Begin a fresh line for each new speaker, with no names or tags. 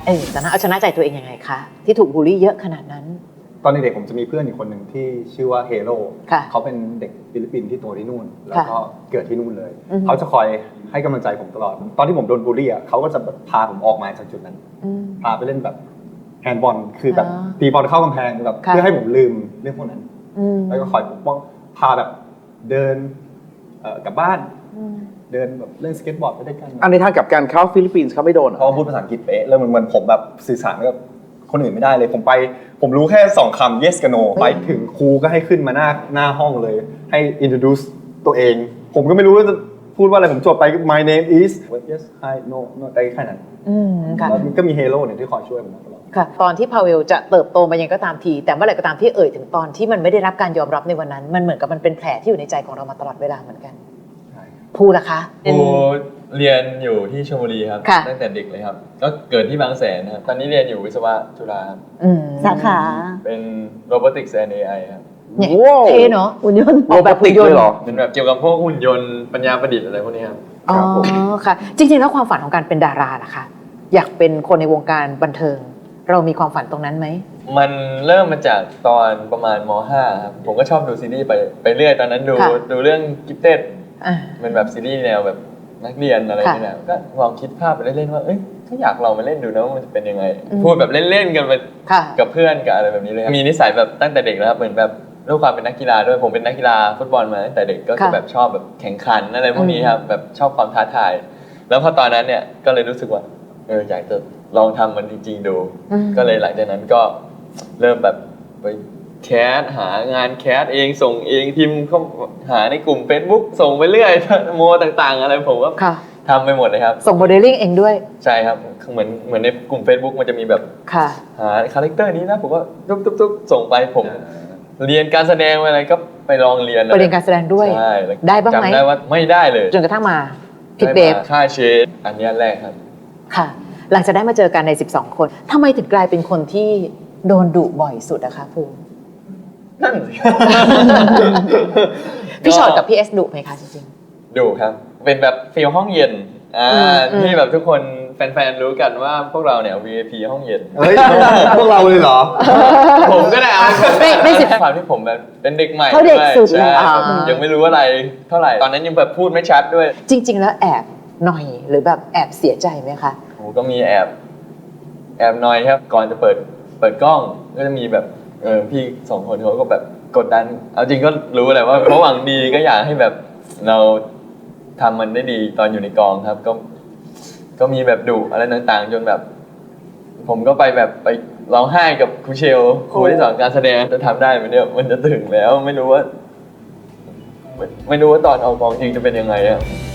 ตอนนั้นเอาชนะใจตัวเองยังไงคะที่ถูกบูลลี่เยอะขนาดนั้น
ตอนเด็กๆผมจะมีเพื่อนอีกคนหนึ่งที่ชื่อว่าเฮโร่
ค่ะ
เขาเป็นเด็กฟิลิปปินส์ที่โตที่นู่นแล้วก็
ค่ะ
เกิดที่นู่นเลย
อือฮึ
เขาจะคอยให้กำลังใจผมตลอดตอนที่ผมโดนบูลลี่อ่ะเขาก็จะแบบพาผมออกมาจากจุดนั้น
อืม
พาไปเล่นแบบแฮนด์บอลคือแบบ
อ๋อ
ตีบอลเข้ากำแพงแบบ
ค่ะ
เพื่อให้ผมลืมเรื่องพวกนั้น
อืม
แล้วก็คอยปกป้องพาแบบเดินกลับบ้าน
อืม
เดินแบบเล่นสเก็ตบอร์ดไปด้วยกัน
อันในทางกลับการเข้าฟิลิปปินส์เขาไม่โดนเหรอ
เขาพูดภาษาอังกฤษเป๊ะแล้วเหมือนผมแบบสื่อสารกับคนอื่นไม่ได้เลยผมรู้แค่2 คำ yes กับ no ไปถึงครูก็ให้ขึ้นมาหน้าห้องเลยให้ introduce ตัวเอง ผมก็ไม่รู้ว่าจะพูดว่าอะไรผมจบไป my name is yes hi no ได้แค่นั้น
ค่ะ
แล้วมันก็มีเฮโร่เนี่ยที่คอยช่วยผมตลอด
ค่ะตอนที่พาเวลจะเติบโตมายังก็ตามทีแต่เมื่อไหร่ก็ตามที่เอ่ยถึงตอนที่มันไม่ได้รับการยอมรับในวันนั้นมันเหมือนกับมันเป็นแผลที่อยู่ในใจของเรามาตลอดเวลาเหมือนกันภูล่ะคะ
ครูเรียนอยู่ที่ชลบุรีครับ
ค่ะ
ตั้งแต่เด็กเลยครับก็เกิดที่บางแสนครับตอนนี้เรียนอยู่วิศวะจุฬาครับ
สาขา
เป็น Robotics and AI ครับ
เนี่ย
ว้าว
เท่เนาะ
หุ่นยนต์
ออกแบบหุ่นยนต์
เลยเหรอ
เป็นแบบเกี่ยวกับพวกหุ่นยนต์ปัญญาประดิษฐ์อะไรพวกนี้ครับ
อ๋อ
ครับผม
ค่ะ จริงๆแล้วความฝันของการเป็นดาราล่ะคะอยากเป็นคนในวงการบันเทิง เรามีความฝันตรงนั้นไหม
มันเริ่มมาจากตอนประมาณม .5 ครับผมก็ชอบดูซีรีส์ไปเรื่อยตอนนั้นดู
ค่ะ
เรื่อง Gifted
อ่า
เป็นแบบซีรีส์แนวแบบนักเรียนอะไร
ค่ะ
นี่แหละก็ลองคิดภาพไปเล่นๆว่าเอ้ยถ้าอยากลองมาเล่นดูนะว่ามันจะเป็นยังไง
อืม
พูดแบบเล่นๆกันไป
ค่ะ
กับเพื่อนกับอะไรแบบนี้เลยครับมีนิสัยแบบตั้งแต่เด็กแล้วครับเหมือนแบบด้วยความเป็นนักกีฬาด้วยผมเป็นนักกีฬาฟุตบอลมาตั้งแต่เด็กก็จะ
ค่ะ
แบบชอบแบบแข่งขันอะไรพวกนี้ครับแบบชอบความท้าทายแล้วพอตอนนั้นเนี่ยก็เลยรู้สึกว่าอยากจะลองทำมันจริงๆดู
อืม
ก็เลยหลังจากนั้นก็เริ่มแบบไปแคสหางานแคสเองส่งเองพิมพ์เข้าหาในกลุ่ม Facebook ส่งไปเรื่อย โมต่างๆ อะไรผมก็
ค่ะ
ทำไปหมดเลยครับ
ส่งโมเดลลิ่งเองด้วย
ใช่ครับเหมือนในกลุ่ม Facebook มันจะมีแบบ
ค่ะ
หาคาแรคเตอร์นี้นะผมก็ตุ๊บส่งไปผมเรียนการแสดงอะไรก็ไปลองเรียน
ไปเรียนการแสดงด้วย
ใช่แล้ว
ได้บ้างไหม
จำได้ว่าไม่ได้เลย
จนกระทั่งมาพิกเบ
ได้
ฟ
มาค่าเชดอันเนี้ยแรกครับ
ค่ะ หลังจากได้มาเจอกันใน 12 คนทำไมถึงกลายเป็นคนที่โดนดุบ่อยสุดอะคะภูมิ
นั่นสิ
พี่ชอตกับพี่เอสดุไหมคะจริง
ดูครับ เป็นแบบฟีลห้องเย็น
อืม
ที่แบบทุกคนแฟนๆรู้กันว่าพวกเราเนี่ย VIP ห้องเย็น
เฮ้ยพวกเราเลยเหรอ
ผมก็ได้เอา
ไม่สิ
ความที่ผมแบบเป็นเด็กใหม่
เขาเด็กสุด
ใช่
อ่า
ผมยังไม่รู้อะไรเท่าไหร่ตอนนั้นยังแบบพูดไม่ชัดด้วย
ๆ จริง ๆ แล้วแอบหน่อยหรือแบบแอบเสียใจไหมคะ
ผมก็มีแอบนอยครับก่อนจะเปิดกล้องก็จะมีแบบพี่2 คนเขาก็แบบกดดันเอาจริงก็รู้แหละว่าเขาหวังดีก็อยากให้แบบเราทำมันได้ดีตอนอยู่ในกองครับก็มีแบบดุอะไรต่างๆ จนแบบ ผมก็ไปร้องไห้กับครูเชลครูที่สอนการแสดงจะทำได้ไหมเนี่ยมันจะถึงแล้วไม่รู้ว่าตอนเอากองจริงจะเป็นยังไงอะ